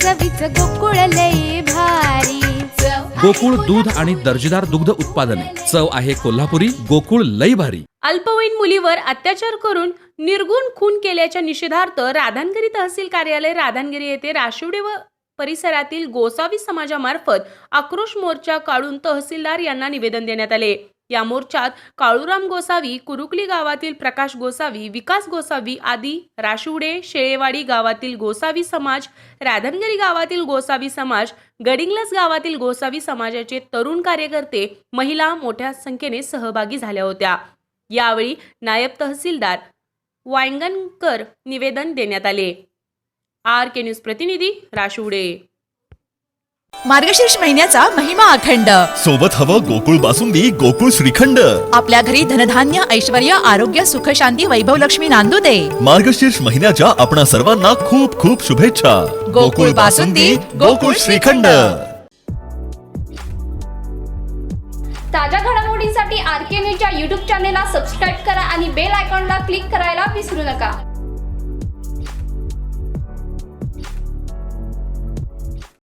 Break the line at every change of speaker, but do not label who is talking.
चवीच गोकुळ लई भारी।
गोकुळ दूध आणि दर्जेदार दुग्ध उत्पादने, चव आहे कोल्हापुरी, गोकुळ लई भारी।
अल्पवयीन मुलीवर अत्याचार करून निर्गुण खून केल्याच्या निषेधार्थ राधानगिरी तहसील कार्यालय राधानगिरी येथे राशिवडे व परिसरातील गोसावी समाजामार्फत आक्रोश मोर्चा काढून तहसीलदार यांना निवेदन देण्यात आले। या मोर्चात काळूराम गोसावी, कुरुकली गावातील प्रकाश गोसावी, विकास गोसावी आदी, राशिवडे शेळेवाडी गावातील गोसावी समाज, राधानगिरी गावातील गोसावी समाज, गडिंग्लज गावातील गोसावी समाजाचे तरुण कार्यकर्ते, महिला मोठ्या संख्येने सहभागी झाल्या होत्या। यावेळी नायब तहसीलदार वांगणकर निवेदन देण्यात आले। RK न्यूज प्रतिनिधी राशिवडे।
मार्गशीर्ष महिन्याचा महिमा अखंड,
सोबत हवं गोकुळ बासुंदी, गोकुळ श्रीखंड।
आपल्या घरी धनधान्य, ऐश्वर्य, आरोग्य, सुख, शांती, वैभव लक्ष्मी नांदू दे।
मार्गशीर्ष महिन्याच्या आपणा सर्वांना खूप खूप शुभेच्छा।
गोकुळ बासुंदी, गोकुळ श्रीखंड।
ताज्या घडामोडींसाठी RK न्यूजच्या YouTube चॅनेलला सबस्क्राईब करा आणि बेल आयकॉनला क्लिक करायला विसरू नका।